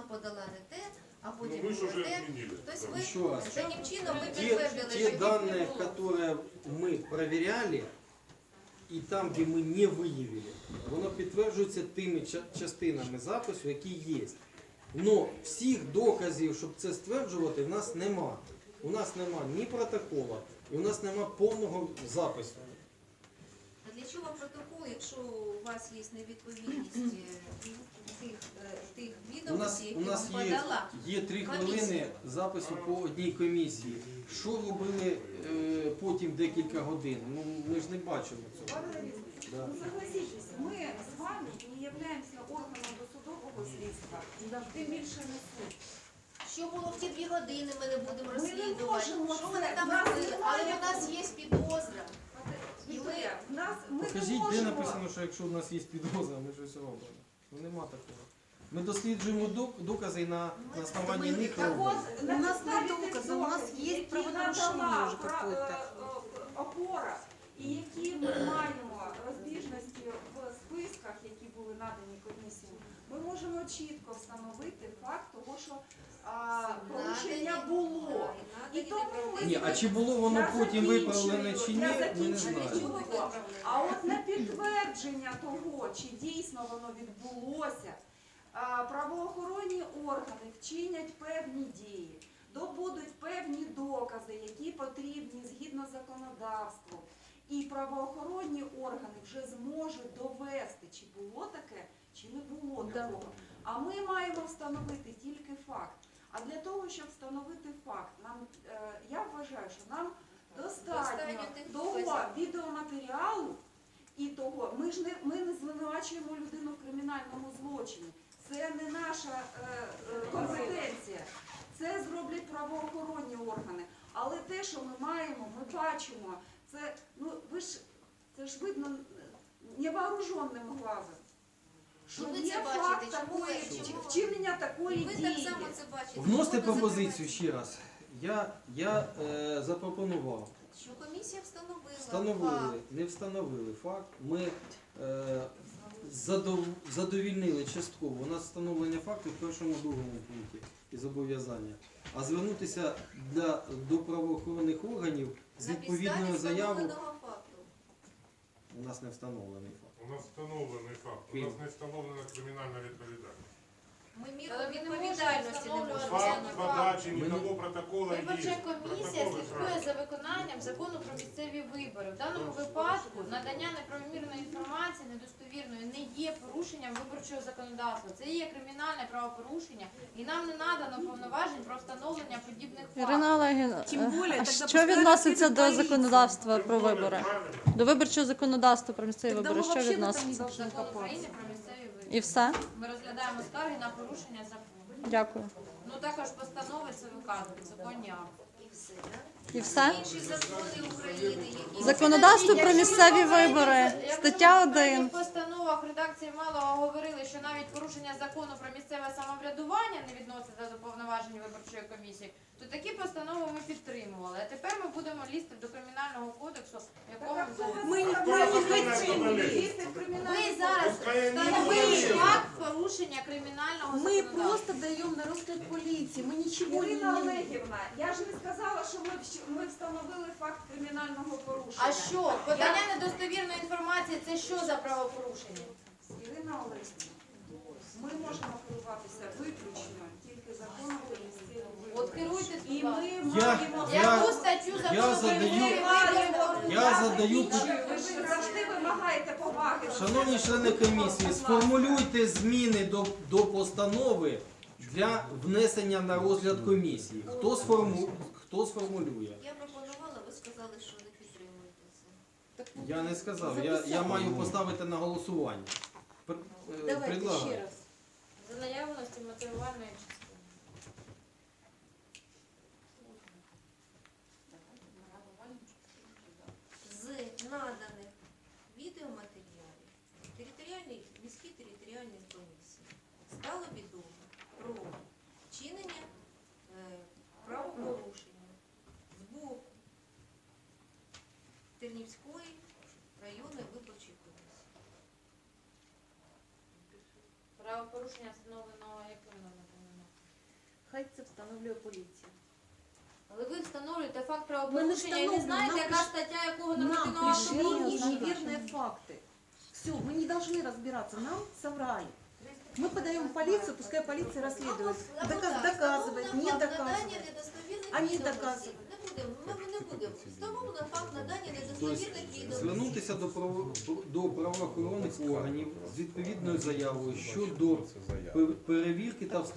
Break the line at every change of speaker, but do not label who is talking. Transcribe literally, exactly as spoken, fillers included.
подала не те, а потім
Ну, вы же
було
уже
те.
отменили.
Тобто
Да.
ви
Еще раз.
таким чином ми
Те,
підтвердили,
те
що їх не
данные,
було.
которые мы проверяли, і там, де ми не виявили, воно підтверджується тими ча- частинами запису, які є. Но всіх доказів, щоб це стверджувати, в нас нема. У нас нема ні протокола, і у нас нема повного запису.
А для чого протокол, якщо у вас є невідповідність е, тих, е, тих
У нас,
відомостей,
у
які
нас
вам
є,
подала?
є три
комісія.
хвилини запису по одній комісії. Що робили е, потім декілька годин? Ну, ми ж не бачимо цього. Да.
Ну, согласитесь, мы с вами не являемся органом досудового слідства, тим більше не суд.
Що було в ті дві години, ми не будемо
Ми не
розслідувати.
можемо
Що
це.
вони там
В нас
робили? Але
немає
у нас є підозра. І ми,
В нас, ми не
Покажіть, де
можемо.
написано, що якщо у нас є підозра, ми щось робимо. Ну нема такого. Ми досліджуємо док- докази і на, на основанні них
Так
робимо.
от,
У
на
нас
підставі
нет
тих
доказа, у нас
доказів,
есть
які
правонарушение
надала
уже
пра-
какое-то.
е, е, опора, і які ми маємо розбіжності в списках, які були надані комісії, ми можемо чітко встановити факт того, що а, порушення
надані-
було.
надані
І тому ми
Ні, а чи було воно
Я
потім
закінчую,
виправлене чи ні,
я
ми не
закінчую.
знаємо.
чого ви виправили?
А от на підтвердження того, чи дійсно воно відбулося, а, правоохоронні органи вчинять певні дії, добудуть певні докази, які потрібні згідно законодавству. І правоохоронні органи вже зможуть довести, чи було таке, чи не було такого. А ми маємо встановити тільки факт. А для того, щоб встановити факт, нам, е, я вважаю, що нам достатньо
Достатньо тих
того
доказів.
відеоматеріалу і того, ми ж не, ми не звинувачуємо людину в кримінальному злочині. Це не наша е, е, компетенція. Це зроблять правоохоронні органи. Але те, що ми маємо, ми бачимо, це, ну, ви ж, це ж видно невооруженним глазом. Що
І ви
є
це бачите,
факт
чому ви-
такої,
чому ви-
вчинення такої
Ви
дії.
так само це бачите.
Вносите
Чому ви
пропозицію
закриваєте?
ще раз. Я, я е, запропонував.
Що комісія встановила.
Встановили,
факт.
не встановили факт. Ми е, задов, задовільнили частково. У нас встановлення факту в першому другому пункті і зобов'язання. А звернутися для, до правоохоронних органів з
На
відповідною
підставі
заявою
встановленого факту.
у нас не встановлений факт.
У нас встановлений факт. У нас не встановлена кримінальна відповідальність.
Ми міру
Але ми не
відповідальності не
можемо
можемо.
Факт
не
подачі
Ми не-
ніякого протокола є.
Виборча комісія
Протоколи
слідкує
правильні.
за виконанням закону про місцеві вибори. В даному випадку надання неправомірної інформації недостовірної не є порушенням виборчого законодавства. Це є кримінальне правопорушення, і нам не надано повноважень про встановлення подібних
Ірина
фактів.
Олегівна,
Тим більше,
а
тоді
що
пускай
відноситься
розслідує
до
поліція.
законодавства про
Тим більше,
вибори?
правильно.
До виборчого законодавства про місцеві
Тогда
вибори
ми
що
вообще
відноситься?
в этом не
Закон України про місцеві вибори.
І все?
Ми розглядаємо скарги на порушення закону.
Дякую.
Ну також постанови це виказують, законні акти.
І все, да?
І все?
Інші закони України, які...
Законодавство про місцеві вибори. Стаття
В
один.
постановах редакції Малого говорили, що навіть порушення закону про місцеве самоврядування не відноситься до повноважень виборчої комісії, то такі постанови ми підтримували. А тепер ми будемо лізти до кримінального кодексу, в якому
Ми не
Хто
ми не
законодавство
хотіли
поліції?
лізти в
ви
кримінальний
зараз
Пускай вони
встановили
говорять.
факт порушення кримінального
Мы
законодавства.
просто даем на розгляд полиции. Мы ничего не...
Ірина Олегівна, я ж не сказала, що ми, вщ- ми встановили факт кримінального порушення.
А що? Подання недостовірної інформації – це що за правопорушення?
Ірина Олегівна, ми можемо керуватися виключно тільки законом про місцеві
От
вибори.
керуйтесь,
І
будь
ми
ласка.
Я-
маємо...
я-
Яку статтю
я
закону про
задаю-
місцеві вибори?
Я задаю
закінчую. Ви ж завжди вимагаєте поваги.
Шановні члени комісії, сформулюйте зміни до, до постанови для внесення на розгляд комісії. Хто, сформу, хто сформулює?
Я пропонувала, ви сказали, що не підтримуєте це.
Я не сказав, я, я маю поставити на голосування. Пр- е,
Давайте
предлагаю.
ще раз.
За наявності мотивувальної частини.
З наданих відеоматеріалів територіальній, міській територіальній комісії стало відомо про вчинення е, правопорушення з боку Тернівської районної виборчої комісії.
Правопорушення встановленого яким номером?
хай це встановлює поліція.
Але ви встановлюєте факт правопорушення і не
встановлюємо,
знаєте,
нам
яка
приш-
стаття якого
Нам
нормативного акту
пришли
порушення.
неверные факты. Все, мы не должны разбираться, нам соврали. Мы подаем в полицию, пускай полиция расследует. Доказ- доказывает, не доказывает. Они доказывают.
Не будемо, ми не будемо. Встановлено факт надання
Тобто
недостовірних відомостей.
звернутися до, право, до правоохоронних органів з відповідною заявою щодо пер- перевірки та встановлення